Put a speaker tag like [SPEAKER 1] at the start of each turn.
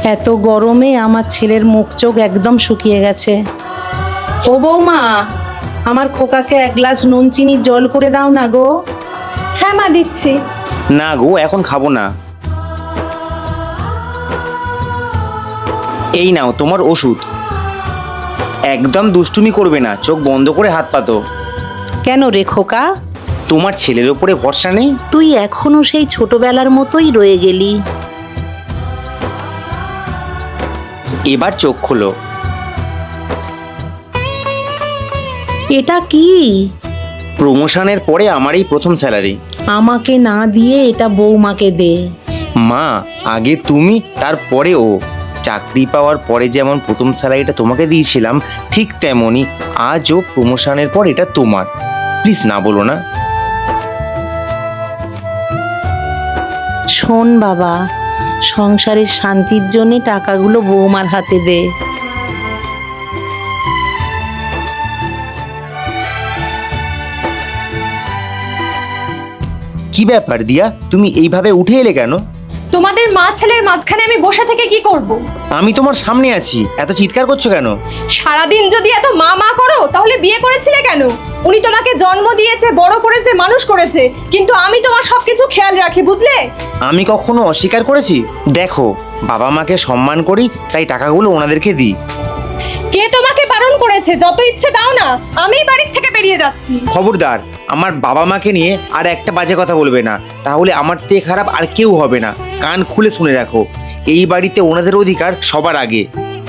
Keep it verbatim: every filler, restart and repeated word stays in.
[SPEAKER 1] এত গরমে আমার ছেলের মুখ চোখ একদম শুকিয়ে গেছে। ও বৌমা, আমার খোকাকে এক গ্লাস নুন চিনির জল করে দাও না গো।
[SPEAKER 2] হ্যাঁ মা, দিচ্ছি।
[SPEAKER 3] না গো, এখন খাবো না। এই নাও তোমার ওষুধ। একদম দুষ্টুমি করবে না, চোখ বন্ধ করে হাত পাতো।
[SPEAKER 1] কেন রে খোকা,
[SPEAKER 3] তোমার ছেলের ওপরে ভরসা নেই?
[SPEAKER 1] তুই এখনো সেই ছোটবেলার মতোই রয়ে গেলি।
[SPEAKER 3] এবার চোখ খোলো।
[SPEAKER 1] এটা কি?
[SPEAKER 3] প্রমোশনের পরে আমার এই প্রথম স্যালারি।
[SPEAKER 1] আমাকে না দিয়ে এটা বৌমাকে দে।
[SPEAKER 3] মা, আগে তুমি, তারপরে ও। চাকরি পাওয়ার পরে যেমন প্রথম স্যালারিটা তোমাকে দিয়েছিলাম, ঠিক তেমনই আজও প্রমোশনের পর এটা তোমার। প্লিজ না বলো না।
[SPEAKER 1] শোন বাবা, সংসারের শান্তির জন্য টাকাগুলো বৌমার হাতে দে।
[SPEAKER 3] কি ব্যাপার দিয়া, তুমি এইভাবে উঠে এলে কেন?
[SPEAKER 2] তোমাদের মা ছেলের মাঝখানে আমি বসে থেকে কি করব?
[SPEAKER 3] আমি তোমার সামনে আছি, এত চিৎকার করছো কেন?
[SPEAKER 2] সারাদিন যদি এত মা মা করো তাহলে বিয়ে করেছিলে কেন? উনি তোমাকে জন্ম দিয়েছে, বড় করেছে, মানুষ করেছে, কিন্তু আমি তোমার সবকিছু খেয়াল রাখি, বুঝলে?
[SPEAKER 3] আমি কখনো অস্বীকার করেছি? দেখো, বাবা মাকে সম্মান করি, তাই টাকাগুলো ওনাদেরকে দিই।
[SPEAKER 2] কে তোমাকে বারণ করেছে? যত ইচ্ছে দাও না, আমি বাড়ির থেকে বেরিয়ে যাচ্ছি।
[SPEAKER 3] খবরদার, আমার বাবা মাকে নিয়ে আর একটা বাজে কথা বলবে না, তাহলে আমার থেকে খারাপ আর কেউ হবে না। কান খুলে শুনে রাখো, এই বাড়িতে ওনাদের অধিকার সবার আগে।